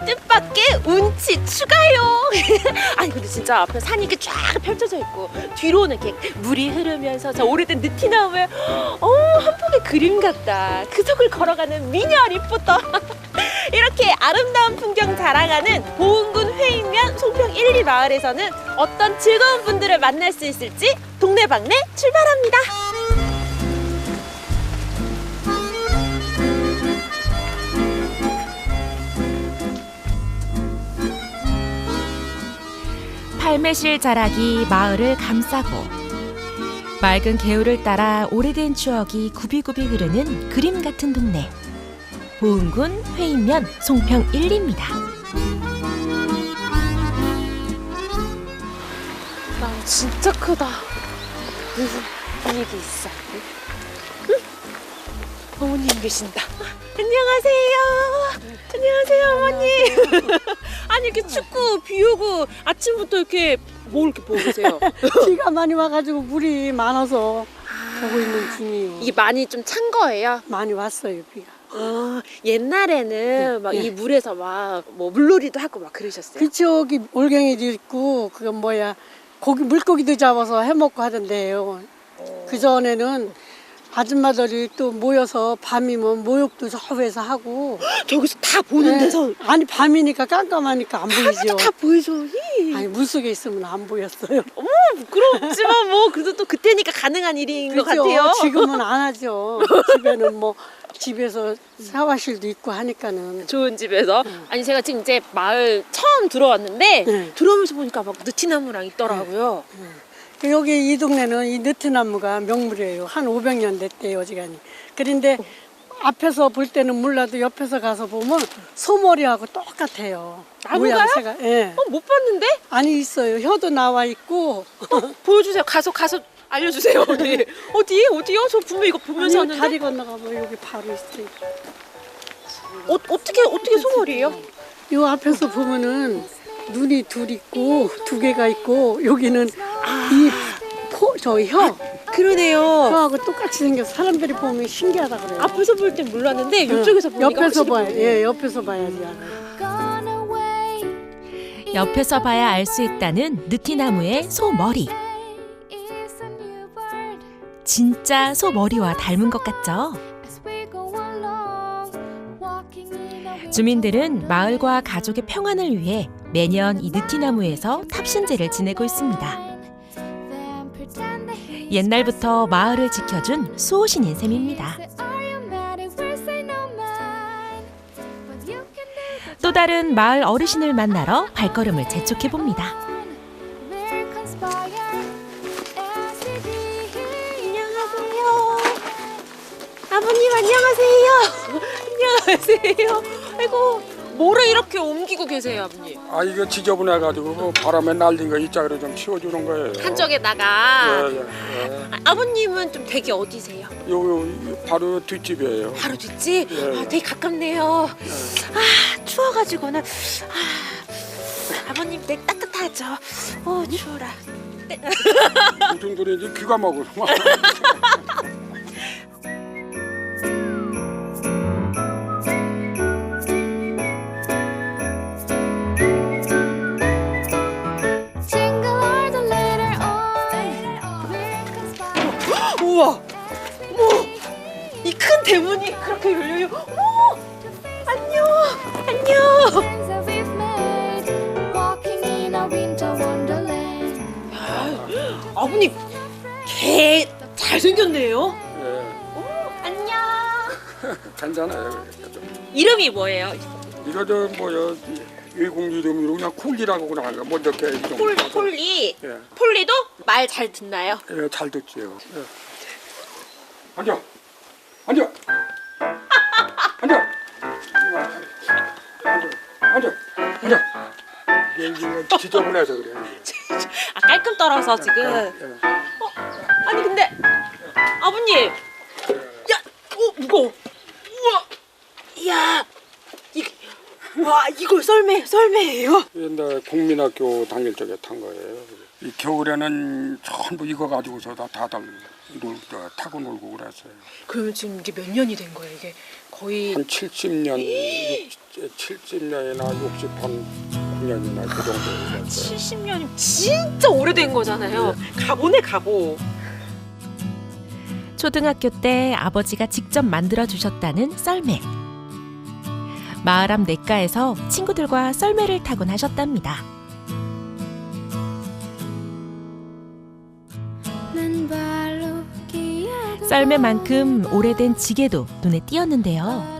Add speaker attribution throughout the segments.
Speaker 1: 뜻밖의 운치 추가요. 아니 근데 진짜 앞에 산이 이렇게 쫙 펼쳐져 있고 뒤로는 이렇게 물이 흐르면서 저 오래된 느티나무에 한 폭의 그림 같다. 그 속을 걸어가는 미녀 리포터. 이렇게 아름다운 풍경 자랑하는 보은군 회인면 송평 1, 2 마을에서는 어떤 즐거운 분들을 만날 수 있을지 동네방네 출발합니다. 팔매실 자락이 마을을 감싸고 맑은 개울을 따라 오래된 추억이 굽이굽이 흐르는 그림 같은 동네. 보은군 회인면 송평 1리입니다. 나 진짜 크다. 무슨 분위기 있어. 응? 어머님 계신다. 안녕하세요. 안녕하세요, 어머님. 아니 이렇게 춥고 비 오고 아침부터 이렇게 뭘 이렇게 보고 계세요?
Speaker 2: 비가 많이 와가지고 물이 많아서 보고 있는 중이에요.
Speaker 1: 이게 많이 좀 찬 거예요?
Speaker 2: 많이 왔어요, 비가.
Speaker 1: 옛날에는 막 이 물에서 막 뭐 물놀이도 하고 막 그러셨어요?
Speaker 2: 그쪽이 올갱이도 있고 그건 뭐야 고기 물고기도 잡아서 해먹고 하던데요. 그 전에는 아줌마들이 또 모여서 밤이면 모욕도 저 위에서 하고.
Speaker 1: 저기서 다 보는 데서
Speaker 2: 아니 밤이니까 깜깜하니까 안 보이죠.
Speaker 1: 다 보이죠.
Speaker 2: 아니 물속에 있으면 안 보였어요.
Speaker 1: 어머 부끄럽지만 뭐 그래도 또 그때니까 가능한 일인 것
Speaker 2: 그죠?
Speaker 1: 같아요.
Speaker 2: 지금은 안 하죠. 집에는 뭐 집에서 샤워실도 있고 하니까는.
Speaker 1: 좋은 집에서. 아니 제가 지금 이제 마을 처음 들어왔는데
Speaker 2: 네.
Speaker 1: 들어오면서 보니까 막 느티나무랑 있더라고요.
Speaker 2: 여기 이 동네는 이 느티나무가 명물이에요. 한 500년 됐대요, 어지간히. 그런데 앞에서 볼 때는 몰라도 옆에서 가서 보면 소머리하고 똑같아요.
Speaker 1: 나무가요?
Speaker 2: 모양새가. 예.
Speaker 1: 못 봤는데?
Speaker 2: 아니 있어요. 혀도 나와 있고.
Speaker 1: 보여주세요. 가서 알려주세요. 어디요? 저 분명 이거 보면서
Speaker 2: 아니,
Speaker 1: 하는데
Speaker 2: 다리 건너가면 여기 바로 있어요.
Speaker 1: 어떻게 소머리예요?
Speaker 2: 요 앞에서 보면은 눈이 둘 있고 두 개가 있고 여기는 혀.
Speaker 1: 그러네요.
Speaker 2: 혀하고 똑같이 생겨서 사람들이 보면 신기하다 그래요.
Speaker 1: 앞에서 볼 땐 몰랐는데 이쪽에서 보니까
Speaker 2: 옆에서
Speaker 1: 확실히
Speaker 2: 봐요.
Speaker 1: 보이네요.
Speaker 2: 예, 옆에서 봐야지 알아요.
Speaker 3: 옆에서 봐야 알 수 있다는 느티나무의 소머리. 진짜 소머리와 닮은 것 같죠? 주민들은 마을과 가족의 평안을 위해 매년 이 느티나무에서 탑신제를 지내고 있습니다. 옛날부터 마을을 지켜준 수호신인 셈입니다. 또 다른 마을 어르신을 만나러 발걸음을 재촉해 봅니다.
Speaker 1: 안녕하세요. 아버님 안녕하세요. 안녕하세요. 아이고 뭐를 이렇게 옮기고 계세요, 아버님?
Speaker 4: 아 이거 지저분해가지고 그 바람에 날린 거 이짝으로 좀 치워주는 거예요.
Speaker 1: 한쪽에다가.
Speaker 4: 예.
Speaker 1: 아버님은 좀 댁이 어디세요?
Speaker 4: 요 바로 뒷집이에요.
Speaker 1: 바로 뒷집?
Speaker 4: 예.
Speaker 1: 되게 가깝네요. 추워가지고는 아버님 댁 따뜻하죠? 추워라.
Speaker 4: 무슨 소리인지 귀가 먹어.
Speaker 1: 우와! 어머! 이 큰 대문이 그렇게 열려요. 어머! 안녕! 안녕! 아버님 개 잘생겼네요.
Speaker 4: 예.
Speaker 1: 안녕.
Speaker 4: 괜찮아요.
Speaker 1: 이름이 뭐예요?
Speaker 4: 이거 저 뭐야 외국 이름으로 그냥 쿨리라고 그냥 먼저 게
Speaker 1: 폴리.
Speaker 4: 예.
Speaker 1: 폴리도 말 잘 듣나요?
Speaker 4: 예, 잘 듣지요. 예. 앉아. 앉아. 앉아. 앉아. 앉아. 이게 지저분해서 그래.
Speaker 1: 깔끔 떨어서 지금.
Speaker 4: 예.
Speaker 1: 아니 근데 아버님, 무거워. 우와, 이야, 이걸 썰매예요?
Speaker 4: 옛날 국민학교 다닐 적에 탄 거예요. 이 겨울에는 전부 이거 가지고서 다들 타고 놀고 그랬어요.
Speaker 1: 그러면 지금 이게 몇 년이 된 거예요? 이게 거의
Speaker 4: 한 70년, 70년이나 69년이나 그 정도 됐어요.
Speaker 1: 70년이면 진짜 오래된 거잖아요. 가보네 가보.
Speaker 3: 초등학교 때 아버지가 직접 만들어 주셨다는 썰매. 마을 앞 냇가에서 친구들과 썰매를 타곤 하셨답니다. 썰매만큼 오래된 지게도 눈에 띄었는데요.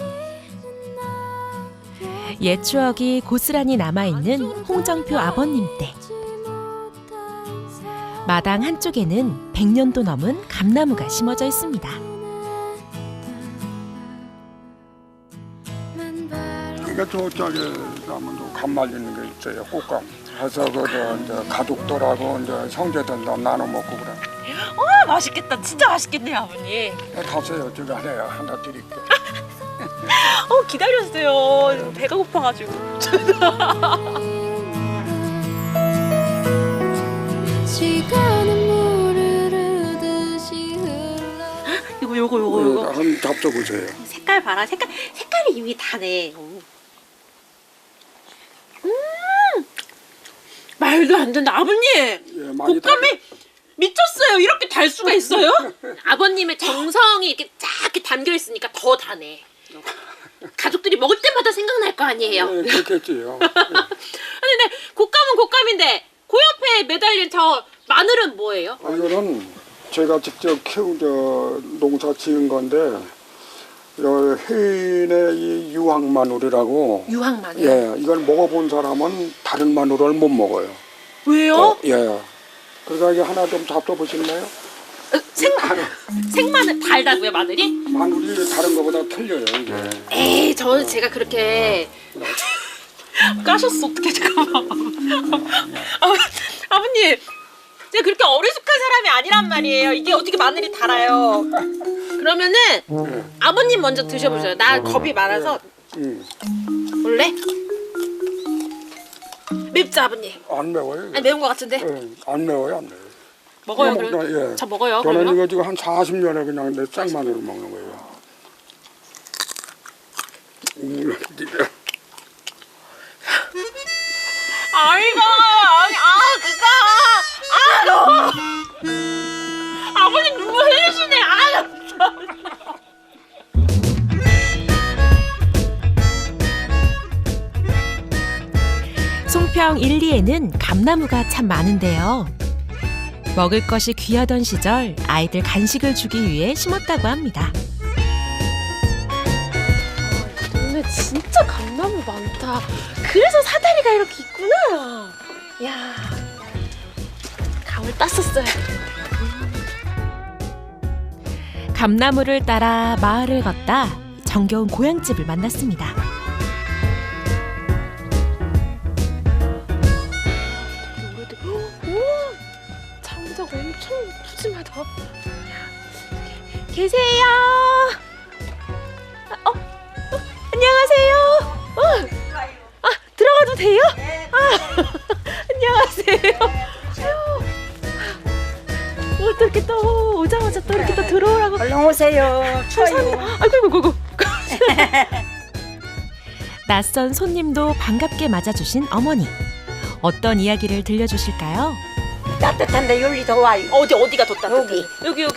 Speaker 3: 옛 추억이 고스란히 남아있는 홍정표 아버님 댁. 마당 한쪽에는 100년도 넘은 감나무가 심어져 있습니다.
Speaker 4: 그러니까 저쪽에 가면 감 말리는 게 있어요. 꽃감. 해서 이제 가족들하고 이제 형제들 나눠 먹고 그래.
Speaker 1: 맛있겠다. 진짜 맛있겠네요 아버님.
Speaker 4: 가세요. 저기 하나 드릴게요.
Speaker 1: 기다렸어요. 배가 고파가지고. 요거.
Speaker 4: 한번 잡숴보세요.
Speaker 1: 색깔 봐라. 색깔이 이미 다네. 말도 안 된다. 아버님.
Speaker 4: 예, 많이
Speaker 1: 곶감이 미쳤어요. 이렇게 달 수가 있어요? 아버님의 정성이 이렇게 쫙 이렇게 담겨 있으니까 더 다네. 가족들이 먹을 때마다 생각날 거 아니에요.
Speaker 4: 예, 그렇겠지요.
Speaker 1: 아니 근데 곶감은 곶감인데 그 옆에 매달린 저 마늘은 뭐예요?
Speaker 4: 이거는 제가 직접 농사 지은 건데 해인의 이 유황 마늘이라고.
Speaker 1: 유황 마늘?
Speaker 4: 예, 이걸 먹어본 사람은 다른 마늘을 못 먹어요.
Speaker 1: 왜요?
Speaker 4: 예. 그러니까 이게 하나 좀 잡숴보실래요?
Speaker 1: 생마늘 달다고요 마늘이?
Speaker 4: 마늘이 다른 것보다 틀려요 이게.
Speaker 1: 에이 저는 제가 그렇게 까셨어 어떡해 잠깐만. 아버님 제가 그렇게 어리숙한 사람이 아니란 말이에요. 이게 어떻게 마늘이 달아요. 그러면은 아버님 먼저 드셔보세요. 나 겁이 많아서. 원래? 맵죠 아버님?
Speaker 4: 안 매워요.
Speaker 1: 아니 매운 거 같은데?
Speaker 4: 예, 안 매워요, 안 매워요.
Speaker 1: 먹어요
Speaker 4: 그냥
Speaker 1: 그럼?
Speaker 4: 먹다, 예.
Speaker 1: 저 먹어요
Speaker 4: 저는
Speaker 1: 그러면?
Speaker 4: 이거 지금 한 40년에 그냥 내 생마늘을 먹는 거예요.
Speaker 1: 아이고 아버님 눈물 흘리시네.
Speaker 3: 송평 1, 2에는 감나무가 참 많은데요. 먹을 것이 귀하던 시절 아이들 간식을 주기 위해 심었다고 합니다.
Speaker 1: 동네 진짜 감나무 많다. 그래서 사다리가 이렇게 있구나. 야, 감을 땄었어요.
Speaker 3: 감나무를 따라 마을을 걷다 정겨운 고향집을 만났습니다.
Speaker 1: 장작 엄청 푸짐하다. 계세요. 안녕하세요. 들어가도 돼요? 안녕하세요. 또 이렇게 또 오자마자 또 이렇게 또 들어오라고.
Speaker 5: 얼른 오세요. 추워요.
Speaker 1: 아이고.
Speaker 3: 낯선 손님도 반갑게 맞아주신 어머니. 어떤 이야기를 들려주실까요?
Speaker 5: 따뜻한데 여기 더 와요.
Speaker 1: 어디가 더 따뜻해? 여기.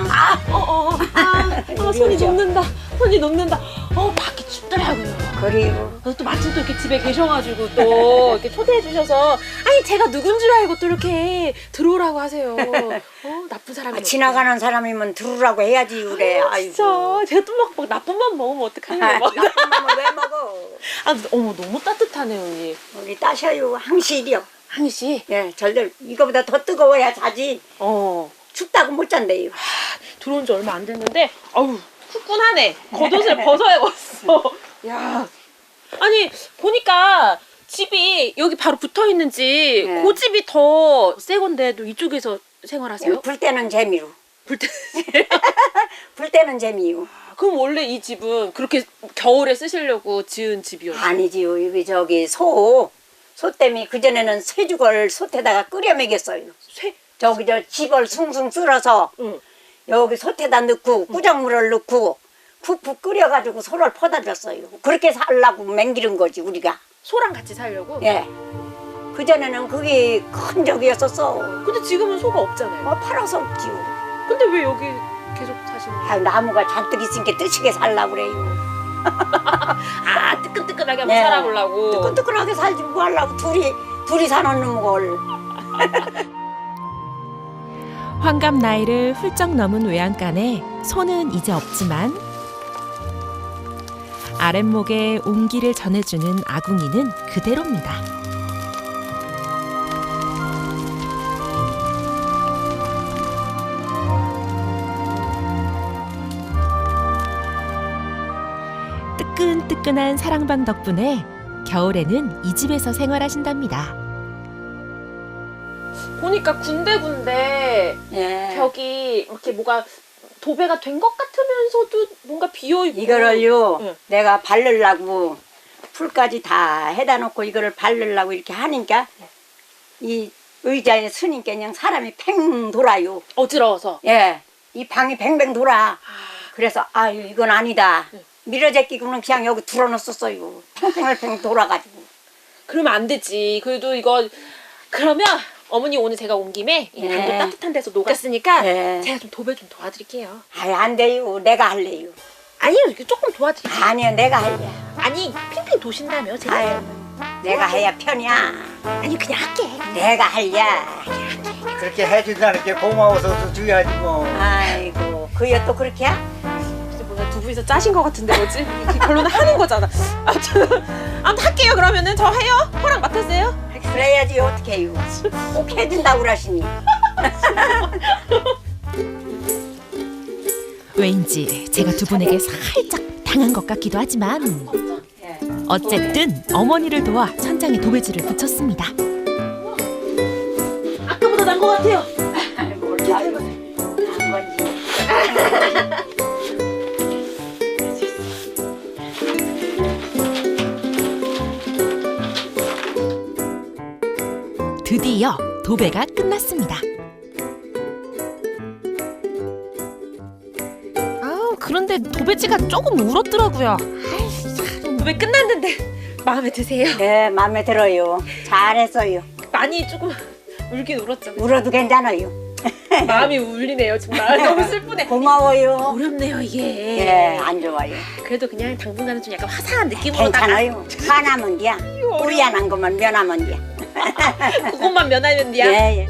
Speaker 1: 손이 녹는다. 밖이 춥더라고요.
Speaker 5: 그리고
Speaker 1: 또 마침 또 이렇게 집에 계셔가지고 또 이렇게 초대해 주셔서 아니 제가 누군 줄 알고 또 이렇게 들어오라고 하세요. 나쁜 사람이
Speaker 5: 지나가는 사람이면 들으라고 해야지 그래.
Speaker 1: 진짜 제가 또 막 나쁜 맘 먹으면 어떡하냐.
Speaker 5: 나쁜 맘을 왜 먹어?
Speaker 1: 어머 너무 따뜻하네요 언니.
Speaker 5: 우리 따셔요. 항실이요.
Speaker 1: 항희 씨.
Speaker 5: 예, 절들 이거보다 더 뜨거워야 자지. 춥다고 못 잔대요.
Speaker 1: 들어온 지 얼마 안 됐는데 아우 후끈하네. 겉옷을 벗어야겠어. 야, 아니 보니까 집이 여기 바로 붙어 있는지
Speaker 5: 네.
Speaker 1: 그 집이 더 새 건데도 이쪽에서 생활하세요?
Speaker 5: 불 때는 재미로.
Speaker 1: 불 때.
Speaker 5: 불 때는 재미요.
Speaker 1: 그럼 원래 이 집은 그렇게 겨울에 쓰시려고 지은 집이었어요?
Speaker 5: 아니지요. 여기 저기 소 때문에 그전에는 쇠죽을 솥에다가 끓여 먹였어요.
Speaker 1: 쇠?
Speaker 5: 저기 저 집을 숭숭 쓸어서
Speaker 1: 응.
Speaker 5: 여기 솥에다 넣고 꾸정물을 넣고 푹푹 끓여가지고 소를 퍼다 줬어요. 그렇게 살라고 맹기른 거지 우리가.
Speaker 1: 소랑 같이 살려고?
Speaker 5: 예. 그 전에는 그게 큰 적이었었어.
Speaker 1: 근데 지금은 소가 없잖아요.
Speaker 5: 뭐 팔아서 없지요.
Speaker 1: 근데 왜 여기 계속 사시는 거예요?
Speaker 5: 아, 나무가 잔뜩 있으니까 뜨시게 살라고 그래요.
Speaker 1: 아, 뜨끈뜨끈하게 한번
Speaker 5: 네.
Speaker 1: 살아보려고.
Speaker 5: 뜨끈뜨끈하게 살지 뭐 하려고 둘이 사놓는 걸.
Speaker 3: 환갑 나이를 훌쩍 넘은 외양간에 소는 이제 없지만 아랫목에 온기를 전해주는 아궁이는 그대로입니다. 뜨끈뜨끈한 사랑방 덕분에 겨울에는 이 집에서 생활하신답니다.
Speaker 1: 보니까 군데군데
Speaker 5: 예.
Speaker 1: 벽이 이렇게 뭐가 도배가 된 것 같으면서도 뭔가 비어있고.
Speaker 5: 이거를요,
Speaker 1: 응.
Speaker 5: 내가 바르려고 풀까지 다 해다 놓고 이거를 바르려고 이렇게 하니까 이 의자에 서니까 그냥 사람이 팽 돌아요.
Speaker 1: 어지러워서.
Speaker 5: 예. 이 방이 뱅뱅 돌아. 그래서 아유 이건 아니다.
Speaker 1: 응.
Speaker 5: 밀어제끼고는 그냥 여기 들어놓았었어요. 팽팽팽 돌아가지고.
Speaker 1: 그러면 안 되지. 그래도 이거 그러면 어머니 오늘 제가 온 김에 이 방도
Speaker 5: 네.
Speaker 1: 따뜻한 데서 녹았으니까
Speaker 5: 네.
Speaker 1: 제가 좀 도배 좀 도와드릴게요.
Speaker 5: 아유 안 돼요. 내가 할래요.
Speaker 1: 아니요, 이렇게 조금 도와드릴게요.
Speaker 5: 아니요 내가 할래.
Speaker 1: 아니, 핑핑 도신다며 제가.
Speaker 5: 아유 내가 해야 편이야.
Speaker 1: 아니, 그냥 할게.
Speaker 5: 내가 할야.
Speaker 6: 그렇게 해준다는 게 고마워서 줘야지 뭐.
Speaker 5: 아이고 그여 또 그렇게 야?
Speaker 1: 진짜 뭐야, 두 분이서 짜신 것 같은데 뭐지? 결론은 하는 거잖아. 아무튼 할게요. 그러면은 저 해요. 허락 맡으세요.
Speaker 5: 그래야지 어떻게 해요. 꼭 해준다고 그러시니.
Speaker 3: 왠지 제가 두 분에게 살짝 당한 것 같기도 하지만 어쨌든 어머니를 도와 천장에 도배지를 붙였습니다.
Speaker 1: 아까보다 난 것 같아요.
Speaker 5: 아이고 잘 한 건지.
Speaker 3: 드디어 도배가 끝났습니다. 그런데 도배지가 조금 울었더라고요.
Speaker 1: 도배 끝났는데 마음에 드세요?
Speaker 5: 네 마음에 들어요. 잘했어요.
Speaker 1: 많이 조금 울긴 울었죠.
Speaker 5: 울어도 괜찮아요.
Speaker 1: 마음이 울리네요. 정말 너무 슬프네.
Speaker 5: 고마워요.
Speaker 1: 어렵네요 이게.
Speaker 5: 예, 안 좋아요.
Speaker 1: 그래도 그냥 당분간은 좀 약간 화사한 느낌으로
Speaker 5: 괜찮아요. 화나면 돼야. 우리안한 것만 면하면 돼.
Speaker 1: 그것만 면하면 돼요.
Speaker 5: 예, 예.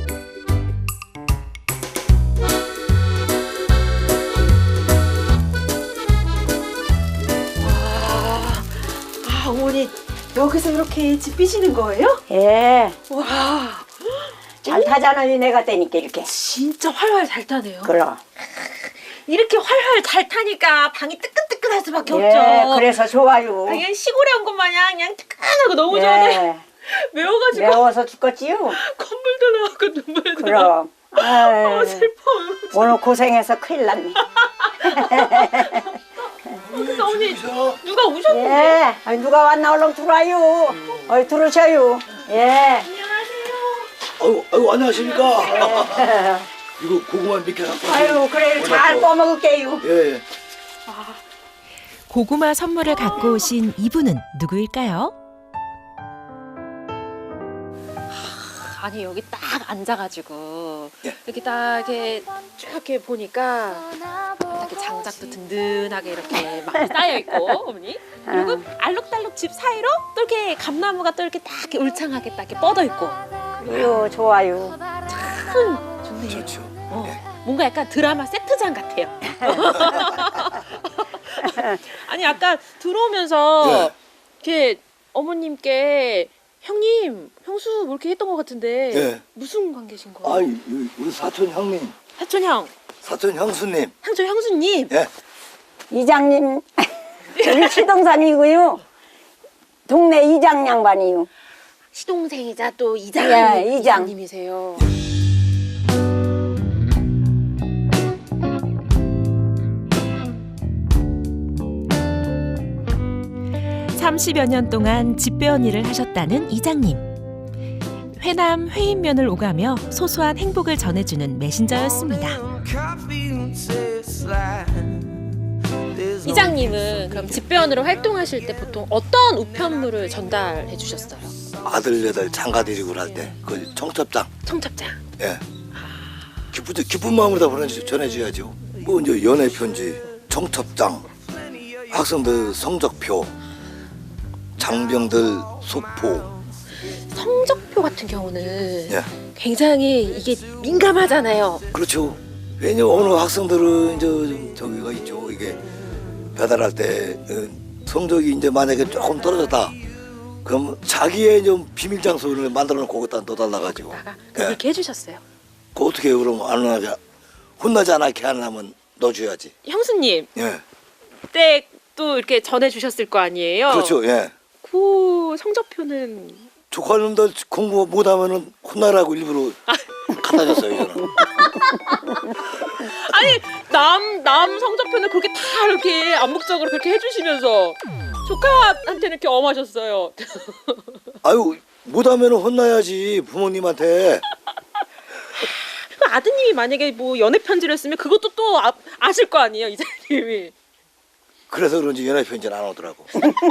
Speaker 1: 어머니 여기서 이렇게 집 삐시는 거예요?
Speaker 5: 예.
Speaker 1: 와,
Speaker 5: 잘 타잖아요. 내가 떼니까 이렇게.
Speaker 1: 진짜 활활 잘 타네요.
Speaker 5: 그럼.
Speaker 1: 이렇게 활활 잘 타니까 방이 뜨끈뜨끈할 수밖에
Speaker 5: 예,
Speaker 1: 없죠.
Speaker 5: 그래서 좋아요.
Speaker 1: 그냥 시골에 온 것 마냥 그냥 뜨끈하고 너무 좋은데
Speaker 5: 예.
Speaker 1: 매워가지고
Speaker 5: 매워서 죽겠지요.
Speaker 1: 콧물도 나고 눈물도 나고.
Speaker 5: 그럼. 아유,
Speaker 1: 슬퍼요.
Speaker 5: 오늘 고생해서 큰일 났네.
Speaker 1: 근데 어머니 누가 오셨는데?
Speaker 5: 예. 아니, 누가 왔나 얼른 들어와요. 들어오셔요. 예.
Speaker 6: 아유 안녕하십니까. 이거 고구마 몇 개 갖고 왔어요.
Speaker 5: 아유, 그래 잘 꺼먹을게요.
Speaker 6: 예.
Speaker 3: 고구마 선물을 갖고 오신 이분은 누구일까요?
Speaker 1: 아니 여기 딱 앉아가지고 이렇게 딱 이렇게 쭉 이렇게 보니까 이렇게 장작도 든든하게 이렇게 많이 쌓여 있고 어머니 그리고 알록달록 집 사이로 또 이렇게 감나무가 또 이렇게 딱 이렇게 울창하게 딱 이렇게 뻗어 있고
Speaker 5: 이거 좋아요.
Speaker 1: 참 좋네요.
Speaker 6: 좋죠.
Speaker 1: 뭔가 약간 드라마 세트장 같아요. 아니 아까 들어오면서 이렇게 어머님께 형님, 형수 뭐 이렇게 했던 것 같은데
Speaker 6: 예.
Speaker 1: 무슨 관계신 거예요?
Speaker 6: 아이 우리 사촌 형님,
Speaker 1: 사촌 형,
Speaker 6: 사촌 형수님.
Speaker 1: 사촌 형수님.
Speaker 6: 예.
Speaker 5: 이장님, 우리 시동산이고요. 동네 이장 양반이요.
Speaker 1: 시동생이자 또 이장,
Speaker 5: 예, 이장.
Speaker 1: 이장님이세요.
Speaker 3: 30여 년 동안 집배원 일을 하셨다는 이장님. 회남 회인면을 오가며 소소한 행복을 전해주는 메신저였습니다.
Speaker 1: 이장님은 그럼 집배원으로 활동하실 때 보통 어떤 우편물을 전달해 주셨어요?
Speaker 7: 아들 여덟 장가 데리고 할 때 그 청첩장,
Speaker 1: 청첩장.
Speaker 7: 예, 기쁜 마음으로 다 전해줘야죠. 뭐 이제 연애 편지, 청첩장, 학생들 성적표, 장병들 소포.
Speaker 1: 성적표 같은 경우는
Speaker 7: 예,
Speaker 1: 굉장히 이게 민감하잖아요.
Speaker 7: 그렇죠. 왜냐 어느 학생들은 이제 좀 저기가 있죠. 이게 배달할 때 성적이 이제 만약에 조금 떨어졌다. 그럼 자기의 좀 비밀 장소를 만들어 놓고 거기다 넣어달라 가지고.
Speaker 1: 그렇게 해주셨어요.
Speaker 7: 그 어떻게 해요? 그럼 안 혼나지 않게 하려면 넣어줘야지.
Speaker 1: 형수님,
Speaker 7: 예,
Speaker 1: 그때 또 이렇게 전해주셨을 거 아니에요?
Speaker 7: 그렇죠. 예.
Speaker 1: 그 성적표는
Speaker 7: 조카님들 공부 못하면은 혼나라고 일부러 갖다 줬어요. 저는.
Speaker 1: 아니 남 성적표는 그렇게 다 이렇게 암묵적으로 그렇게 해주시면서 조카한테는 이렇게 엄하셨어요.
Speaker 7: 아유 못하면은 혼나야지 부모님한테.
Speaker 1: 그 아드님이 만약에 뭐 연애 편지를 쓰면 그것도 또 아실 거 아니에요, 이장님이.
Speaker 7: 그래서 그런지 연애 편지는 안 오더라고.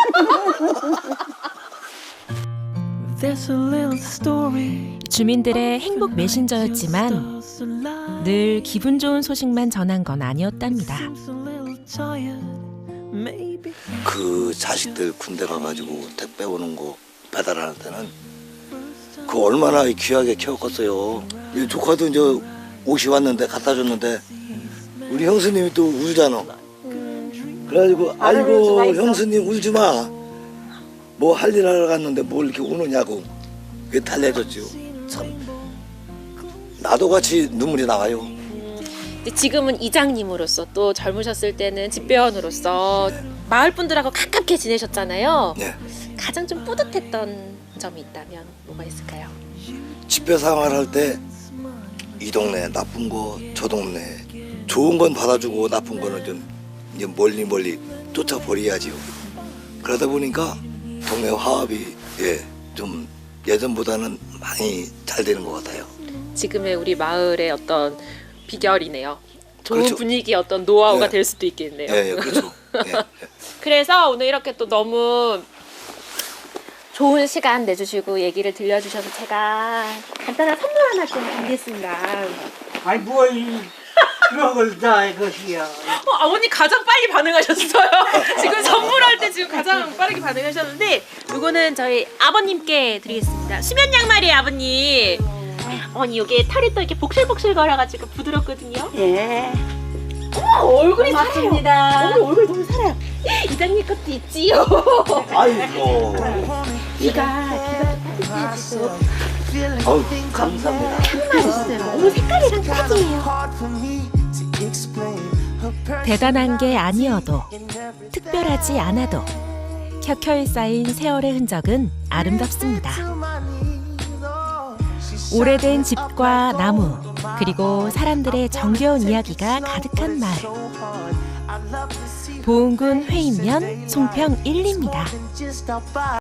Speaker 3: 주민들의 행복 메신저였지만 늘 기분 좋은 소식만 전한 건 아니었답니다.
Speaker 7: 그 자식들 군대 가가지고 택배 오는 거 배달하는 때는 그 얼마나 귀하게 키웠겠어요. 이 조카도 이제 옷이 왔는데 갖다 줬는데 우리 형수님이 또 울잖아. 그래가지고 아이고 형수님 울지 마. 뭐 할 일 하러 갔는데 뭘 이렇게 우느냐고 그게 달래줬죠. 참 나도 같이 눈물이 나와요.
Speaker 1: 근데 지금은 이장님으로서 또 젊으셨을 때는 집배원으로서 마을 분들하고 가깝게 지내셨잖아요.
Speaker 7: 네.
Speaker 1: 가장 좀 뿌듯했던 점이 있다면 뭐가 있을까요?
Speaker 7: 집회 생활할 때 이 동네 나쁜 거 저 동네 좋은 건 받아주고 나쁜 거는 좀 이제 멀리 쫓아버려야지요. 그러다 보니까 동네 화합이 좀 예전보다는 많이 잘 되는 것 같아요.
Speaker 1: 지금의 우리 마을의 어떤 비결이네요. 좋은
Speaker 7: 그렇죠.
Speaker 1: 분위기 어떤 노하우가
Speaker 7: 네.
Speaker 1: 될 수도 있겠네요.
Speaker 7: 예, 그렇죠. 예.
Speaker 1: 그래서 오늘 이렇게 또 너무 좋은 시간 내주시고 얘기를 들려주셔서 제가 간단한 선물 하나 좀 드리겠습니다.
Speaker 6: 아니 뭘 그런 걸 다 이것이야.
Speaker 1: 아버님 가장 빨리 반응하셨어요. 지금 선물할 때 지금 가장 빠르게 반응하셨는데 이거는 저희 아버님께 드리겠습니다. 수면 양말이에요, 아버님. 어머니 여기에 털이 또 이렇게 복실복실 걸어가지고 부드럽거든요.
Speaker 5: 예.
Speaker 1: 얼굴이
Speaker 5: 고맙습니다.
Speaker 1: 살아요. 얼굴 너무 살아요. 이장님 것도 있지요.
Speaker 7: 아이고.
Speaker 1: 귀가 좀
Speaker 7: 감사합니다.
Speaker 1: 있어요. 너무 색깔이랑 딱이에요.
Speaker 3: 대단한 게 아니어도 특별하지 않아도 켜켜이 쌓인 세월의 흔적은 아름답습니다. 오래된 집과 나무 그리고 사람들의 정겨운 이야기가 가득한 마을. 보은군 회인면 송평 1리입니다.